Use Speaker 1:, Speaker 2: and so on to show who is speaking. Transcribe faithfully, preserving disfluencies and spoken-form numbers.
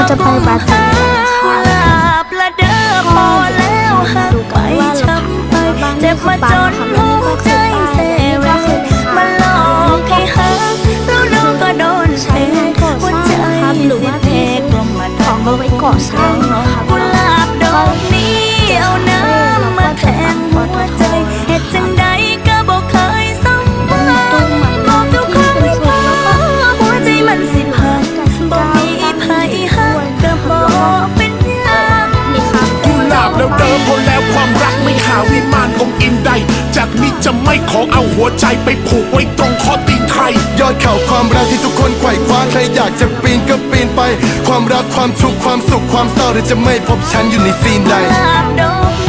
Speaker 1: จะไปบาจี
Speaker 2: ประเดิมพอแล้วหักไปช้ำไปเจ็บมาจนหัวใจเซเวมาหลอกให้หักแล้วน้องก็โดนเทหัวใจสิเพกลมมาทองเอาไว้ก่อสร้างกุหลาบดอกนี้เอาน้ำมาแทงหัวใจเหตุจังใดก็บอกเคยสมหวังบอกทุกครั้งไม่พอหัวใจมันสิพังบอกมีภัยหักก็บอกเป็นยัง
Speaker 3: กุหลาบแล้วเดิมพอแล้วความรักไม่หาวิมานองค์อินใดจากนี้จะไม่ขอเอาหัวใจไปผูกไว้ตรงข้อตีนใคร
Speaker 4: ยอดเขาความรักที่ทุกคนไขว่คว้าใครอยากจะปีนก็ปีนไปความรักความทุกข์ความสุขความเศร้าหรือจะไม่พบฉันอยู่ในซีนใด
Speaker 2: ดอก